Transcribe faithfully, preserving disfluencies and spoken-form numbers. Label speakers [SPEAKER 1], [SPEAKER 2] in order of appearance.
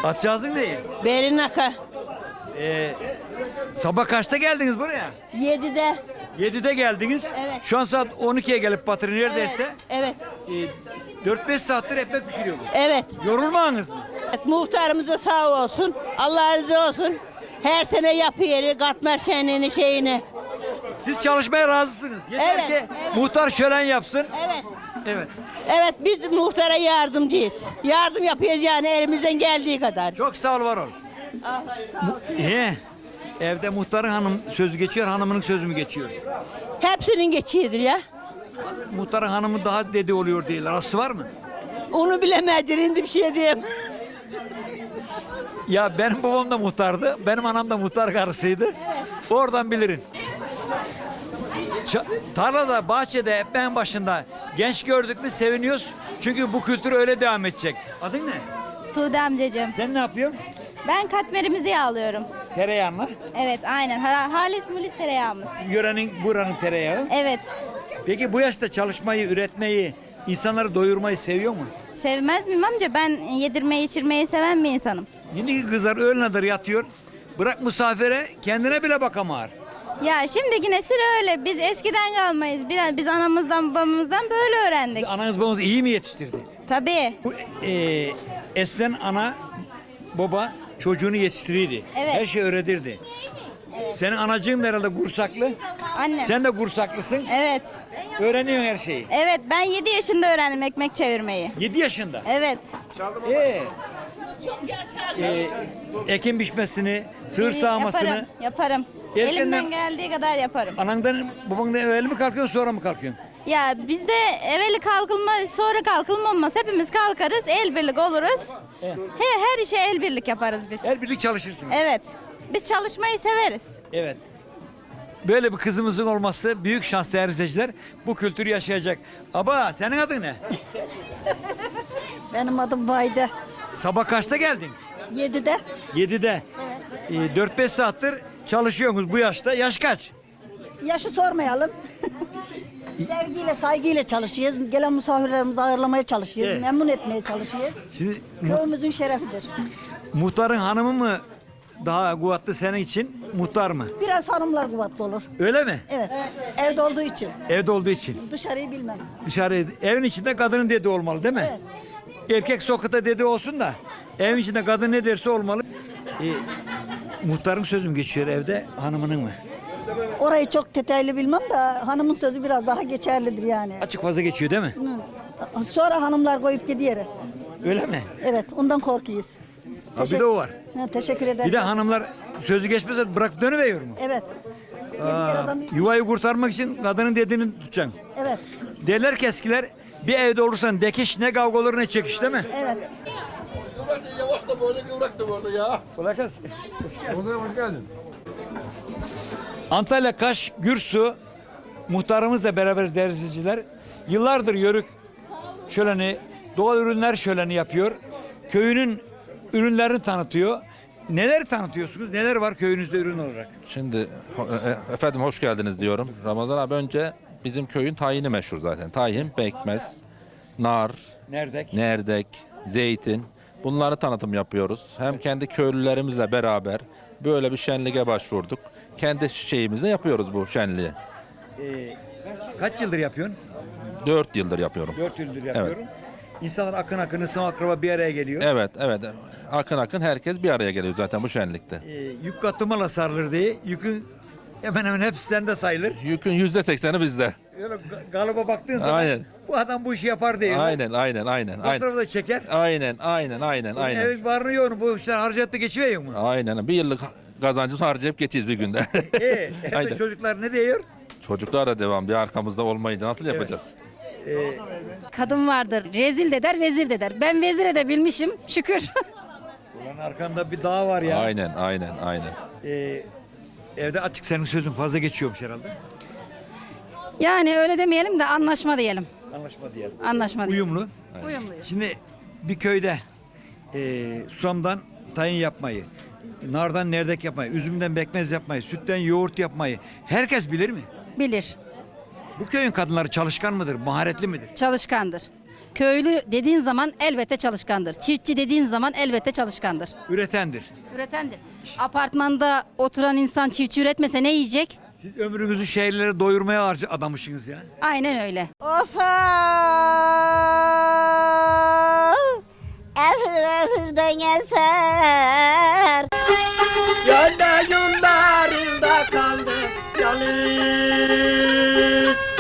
[SPEAKER 1] Atcağızın neyi?
[SPEAKER 2] Berinaka.
[SPEAKER 1] Ee, sabah kaçta geldiniz buraya?
[SPEAKER 2] Yedide.
[SPEAKER 1] yedide geldiniz.
[SPEAKER 2] Evet.
[SPEAKER 1] Şu an saat on ikiye gelip batırı neredeyse.
[SPEAKER 2] Evet.
[SPEAKER 1] E, dört beş saattir ekmek pişiriyorsunuz.
[SPEAKER 2] Evet.
[SPEAKER 1] Yorulmadınız mı?
[SPEAKER 2] Evet. Muhtarımız da sağ olsun. Allah razı olsun. Her sene yapıyor katmer şenliğini şeyini.
[SPEAKER 1] Siz çalışmaya razısınız. Yeter
[SPEAKER 2] Evet,
[SPEAKER 1] ki
[SPEAKER 2] evet.
[SPEAKER 1] muhtar şölen yapsın.
[SPEAKER 2] Evet.
[SPEAKER 1] Evet.
[SPEAKER 2] Evet biz muhtara yardımcıyız. Yardım yapıyoruz yani elimizden geldiği kadar.
[SPEAKER 1] Çok sağ ol, var ol. İyi. Evde muhtarın hanım sözü geçiyor, hanımının sözü mü geçiyor?
[SPEAKER 2] Hepsinin geçiyordur ya.
[SPEAKER 1] Muhtarın hanımı daha dedi oluyor değiller. Aslı var mı?
[SPEAKER 2] Onu bilemezdir indi bir şey diyeyim.
[SPEAKER 1] Ya benim babam da muhtardı. Benim anam da muhtar karısıydı. Oradan bilirim. Ça- tarlada, bahçede, ekmeğin başında genç gördük mü seviniyoruz. Çünkü bu kültür öyle devam edecek. Adın ne?
[SPEAKER 3] Sude amcacığım.
[SPEAKER 1] Sen ne yapıyorsun?
[SPEAKER 3] Ben katmerimizi yağlıyorum.
[SPEAKER 1] Tereyağınla.
[SPEAKER 3] Evet aynen. Ha, halis mulis tereyağımız.
[SPEAKER 1] Yörenin, buranın tereyağı.
[SPEAKER 3] Evet.
[SPEAKER 1] Peki bu yaşta çalışmayı, üretmeyi, insanları doyurmayı seviyor mu?
[SPEAKER 3] Sevmez miyim amca? Ben yedirmeyi içirmeyi seven bir insanım.
[SPEAKER 1] Şimdiki kızlar öğlene kadar yatıyor. Bırak misafire, kendine bile bakamar.
[SPEAKER 3] Ya şimdiki nesil öyle. Biz eskiden kalmayız. Biraz biz anamızdan babamızdan böyle öğrendik.
[SPEAKER 1] Ananız babanız iyi mi yetiştirdi?
[SPEAKER 3] Tabii.
[SPEAKER 1] Bu e, eskiden ana, baba çocuğunu yetiştirirdi.
[SPEAKER 3] Evet.
[SPEAKER 1] Her şey öğretirdi. Senin anacığın herhalde Gursaklı.
[SPEAKER 3] Annem.
[SPEAKER 1] Sen de Gursaklısın.
[SPEAKER 3] Evet.
[SPEAKER 1] Öğreniyorsun her şeyi.
[SPEAKER 3] Evet ben yedi yaşında öğrendim ekmek çevirmeyi.
[SPEAKER 1] yedi yaşında.
[SPEAKER 3] Evet.
[SPEAKER 1] Ee, e, ekin biçmesini, sığır sağmasını.
[SPEAKER 3] Yaparım. Yaparım.
[SPEAKER 1] Erkenden-
[SPEAKER 3] Elimden geldiği kadar yaparım.
[SPEAKER 1] Anandan, babandan evvel mi kalkıyorsun, sonra mı kalkıyorsun?
[SPEAKER 3] Ya bizde evveli kalkılma sonra kalkılma olmaz. Hepimiz kalkarız, el birlik oluruz.
[SPEAKER 1] Evet.
[SPEAKER 3] He, her işe el birlik yaparız biz.
[SPEAKER 1] El birlik çalışırsınız.
[SPEAKER 3] Evet. Biz çalışmayı severiz.
[SPEAKER 1] Evet. Böyle bir kızımızın olması büyük şans değerli izleyiciler. Bu kültürü yaşayacak. Aba senin adın ne?
[SPEAKER 2] Benim adım Vayde.
[SPEAKER 1] Sabah kaçta geldin?
[SPEAKER 2] Yedide.
[SPEAKER 1] yedide. Ee, dört beş saattir çalışıyorsunuz bu yaşta. Yaş kaç?
[SPEAKER 4] Yaşı sormayalım. Sevgiyle, saygıyla çalışıyoruz. Gelen misafirlerimizi ağırlamaya çalışıyoruz.
[SPEAKER 1] Evet.
[SPEAKER 4] Memnun etmeye çalışıyoruz.
[SPEAKER 1] Şimdi mu-
[SPEAKER 4] Köyümüzün şerefidir.
[SPEAKER 1] muhtarın hanımı mı daha kuvvetli senin için, muhtar mı?
[SPEAKER 4] Biraz hanımlar kuvvetli olur.
[SPEAKER 1] Öyle mi?
[SPEAKER 4] Evet. Evde olduğu için.
[SPEAKER 1] Evde olduğu için.
[SPEAKER 4] Dışarıyı bilmem.
[SPEAKER 1] Dışarı, evin içinde kadının dediği olmalı değil mi?
[SPEAKER 4] Evet.
[SPEAKER 1] Erkek sokakta dediği olsun da evin içinde kadın ne derse olmalı. Ee, muhtarın sözü mü geçiyor evde, hanımının mı?
[SPEAKER 4] Orayı çok detaylı bilmem de hanımın sözü biraz daha geçerlidir yani.
[SPEAKER 1] Açık fazla geçiyor değil mi?
[SPEAKER 4] Hı. Sonra hanımlar koyup gidiyor.
[SPEAKER 1] Öyle mi?
[SPEAKER 4] Evet, ondan korkuyoruz.
[SPEAKER 1] Ha, bir de o var.
[SPEAKER 4] Ha, teşekkür ederim.
[SPEAKER 1] Bir de hanımlar sözü geçmese bırak dönüveriyor mu?
[SPEAKER 4] Evet. Yediği adam-
[SPEAKER 1] Yuvayı kurtarmak için kadının dediğini tutacaksın.
[SPEAKER 4] Evet,
[SPEAKER 1] Derler ki eskiler, bir evde olursan dekiş ne kavga olur ne çekiş değil mi?
[SPEAKER 4] evet.
[SPEAKER 5] Yavaş da böyle kıvrak da burada ya.
[SPEAKER 1] Kolay gelsin. Hoş geldin. Antalya Kaş Gürsu muhtarımızla beraberiz değerli izleyiciler. Yıllardır Yörük şöleni, doğal ürünler şöleni yapıyor. Köyünün ürünlerini tanıtıyor. Neler tanıtıyorsunuz? Neler var köyünüzde ürün olarak?
[SPEAKER 6] Şimdi ho- e- efendim hoş geldiniz diyorum. Ramazan abi önce bizim köyün tayini meşhur zaten. Tayin, pekmez, nar,
[SPEAKER 1] Nerdek.
[SPEAKER 6] nerdek, zeytin. Bunları tanıtım yapıyoruz. Hem kendi köylülerimizle beraber böyle bir şenliğe başvurduk. Kendi şeyimizle yapıyoruz bu şenliği.
[SPEAKER 1] Ee, kaç yıldır yapıyorsun?
[SPEAKER 6] Dört yıldır yapıyorum.
[SPEAKER 1] Dört yıldır yapıyorum. İnsanlar akın akın ısım akraba bir araya geliyor.
[SPEAKER 6] Evet, evet. Akın akın herkes bir araya geliyor zaten bu şenlikte.
[SPEAKER 1] Ee, yük katımala sarılır diye. Yükün hemen hemen hepsi sende sayılır.
[SPEAKER 6] Yükün yüzde sekseni bizde.
[SPEAKER 1] Öyle ga- galiba baktığın zaman
[SPEAKER 6] Aynen.
[SPEAKER 1] bu adam bu işi yapar diye.
[SPEAKER 6] Aynen, aynen, aynen. Aynen,
[SPEAKER 1] Masrafı da çeker.
[SPEAKER 6] aynen, aynen, aynen. aynen.
[SPEAKER 1] Evin varını yoğunu bu işler harcattı geçiyor mu?
[SPEAKER 6] Aynen. Bir yıllık kazancımızı harcayıp geçeceğiz bir günde.
[SPEAKER 1] Ee, hem de
[SPEAKER 6] Aynen.
[SPEAKER 1] çocuklar ne diyor?
[SPEAKER 6] Çocuklar da devam diyor. Arkamızda olmayınca nasıl yapacağız?
[SPEAKER 7] Kadın vardır. Rezil de der, vezir de der. Ben vezir edebilmişim. Şükür.
[SPEAKER 1] Ulan arkanda bir dağ var ya.
[SPEAKER 6] Aynen, aynen, aynen.
[SPEAKER 1] Ee, evde açık senin sözün fazla geçiyormuş herhalde.
[SPEAKER 7] Yani öyle demeyelim de anlaşma diyelim.
[SPEAKER 1] Anlaşma diyelim.
[SPEAKER 7] Anlaşma diyelim.
[SPEAKER 1] Uyumlu.
[SPEAKER 7] Uyumluyuz.
[SPEAKER 1] Şimdi bir köyde e, susamdan tayin yapmayı, nardan nerdek yapmayı, üzümden bekmez yapmayı, sütten yoğurt yapmayı herkes bilir mi?
[SPEAKER 7] Bilir.
[SPEAKER 1] Bu köyün kadınları çalışkan mıdır, maharetli midir?
[SPEAKER 7] Çalışkandır. Köylü dediğin zaman elbette çalışkandır. Çiftçi dediğin zaman elbette çalışkandır.
[SPEAKER 1] Üretendir.
[SPEAKER 7] Üretendir. Apartmanda oturan insan çiftçi üretmese ne yiyecek?
[SPEAKER 1] Siz ömrünüzü şehirlere doyurmaya harca adamışsınız ya.
[SPEAKER 7] Aynen öyle.
[SPEAKER 2] Of!